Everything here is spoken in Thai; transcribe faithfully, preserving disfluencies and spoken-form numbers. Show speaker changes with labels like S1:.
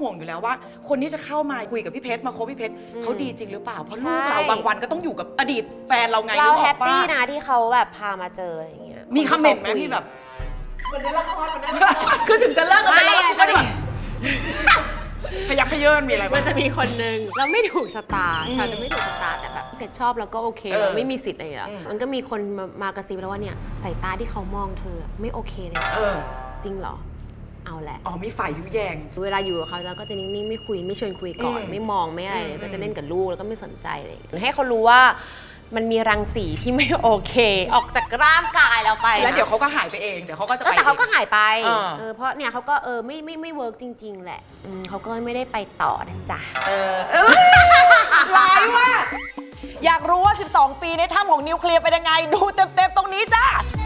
S1: ห่วงอยู่แล้วว่าคนที่จะเข้ามาคุยกับพี่เพชรมาคบพี่เพชรเขาดีจริงหรือเปล่าเพราะลูกเราบางวันก็ต้องอยู่กับอดีตแฟนเราไง
S2: เราแฮปปี้นะที่เขาแบบพามาเจออย่างเงี้ย
S1: มีคอมเมนต์ไหมมีแบบ
S3: เหมือนในละครเหมือนในละคร
S1: คือถึงจะเลิกกันไปแล้วก็แบบพยักพยเยินมีอะไร
S4: มันจะมีคนนึงเราไม่ถูกชะตาฉันไม่ถูกชะตาแต่แบบเพชรชอบแล้วก็โอเคเราไม่มีสิทธิ์อะไรหรอกมันก็มีคนมามากระซิบแล้วว่าเนี่ยสายตาที่เขามองเธอไม่โอเคเลยจริงเหรอเอาแหละ
S1: อ๋อมีฝ่ายยุแยง
S4: เวลาอยู่กับเขาแล้วก็จะนิ่งๆไม่คุยไม่ชวนคุยก่อนไม่มองไม่อะไรก็จะเล่นกับลูกแล้วก็ไม่สนใจอะไรอย่างเงี้ยให้เขารู้ว่ามันมีรังสีที่ไม่โอเคออกจากร่างกายเราไป
S1: แล้วเดี๋ยวเขาก็หายไปเองเดี๋ยวเขาก็จะไป
S4: แต่เขาก็หายไปเออเพราะเนี่ยเขาก็เออไม่ไม่ไม่เวิร์กจริงๆแหละเขาก็ไม่ได้ไปต่อนะจ๊ะ
S1: เออร้ายว่ะอยากรู้ว่าสิบสองปีในถ้ำของนิวเคลียร์เป็นยังไงดูเต็มๆตรงนี้จ้า